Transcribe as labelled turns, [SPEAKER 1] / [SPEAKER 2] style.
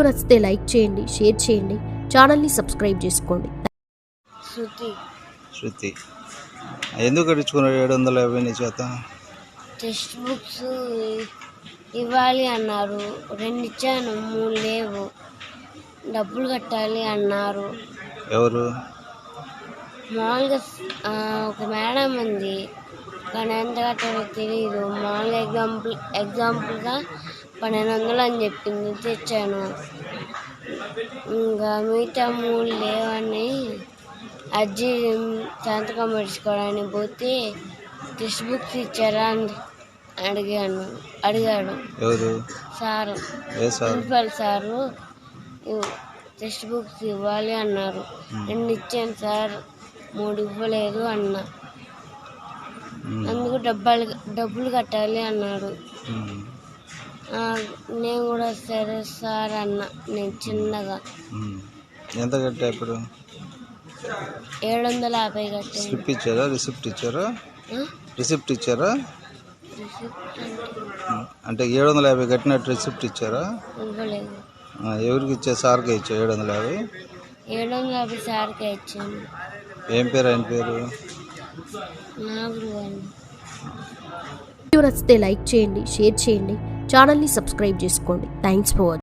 [SPEAKER 1] నచ్చితే లైక్ చేయండి, షేర్ చేయండి, ఛానల్ని సబ్స్క్రైబ్ చేసుకోండి.
[SPEAKER 2] శృతి ఎందుకు కట్టించుకున్నాడు 750 నీ చేత?
[SPEAKER 3] టెక్స్ట్ బుక్స్ ఇవ్వాలి అన్నారు, 2 ఇచ్చాను, 3 లేవు. డబ్బులు కట్టాలి అన్నారు.
[SPEAKER 2] ఎవరు?
[SPEAKER 3] మామూలుగా ఒక మేడం ఉంది, కానీ ఎంత కట్టాలో తెలియదు. మామూలుగా ఎగ్జాంపుల్గా 1200 అని చెప్పింది, తెచ్చాను. ఇంకా మిగతా 3 లేవని అజ్జి సంతకం పెట్టుకోవడానికి పోతే టెక్స్ట్ బుక్స్ ఇచ్చారా అని అడిగాడు.
[SPEAKER 2] ఎవరు?
[SPEAKER 3] Sir, principal sir. Text books ఇవ్వాలి అన్నారు, 2 ఇచ్చాను సార్, 3 ఇవ్వలేదు అన్నా. అందుకు డబ్బులు కట్టాలి అన్నాడు. నేను కూడా సరే సార్ అన్నా. నేను చిన్నగా
[SPEAKER 2] ఎంత కట్టా? ఇప్పుడు
[SPEAKER 3] 750 కట్టాను.
[SPEAKER 2] స్లిప్ ఇచ్చారా? రిసిప్ట్ ఇచ్చారా? రిసిప్ట్ ఇచ్చారా? అంటే 750 కట్టినట్టు రిసిప్ట్ ఇచ్చారా?
[SPEAKER 3] ఇవ్వలేదు.
[SPEAKER 2] ఎవరికి ఇచ్చా? సార్కే ఇచ్చా 750?
[SPEAKER 3] 750 సార్కే ఇచ్చాను.
[SPEAKER 2] ఏం పేరు ఆయన పేరు?
[SPEAKER 3] నాగురు అని.
[SPEAKER 1] వీడియో నచ్చితే లైక్ చేయండి, షేర్ చేయండి, ఛానల్ని సబ్స్క్రైబ్ చేసుకోండి. Thanks for watching.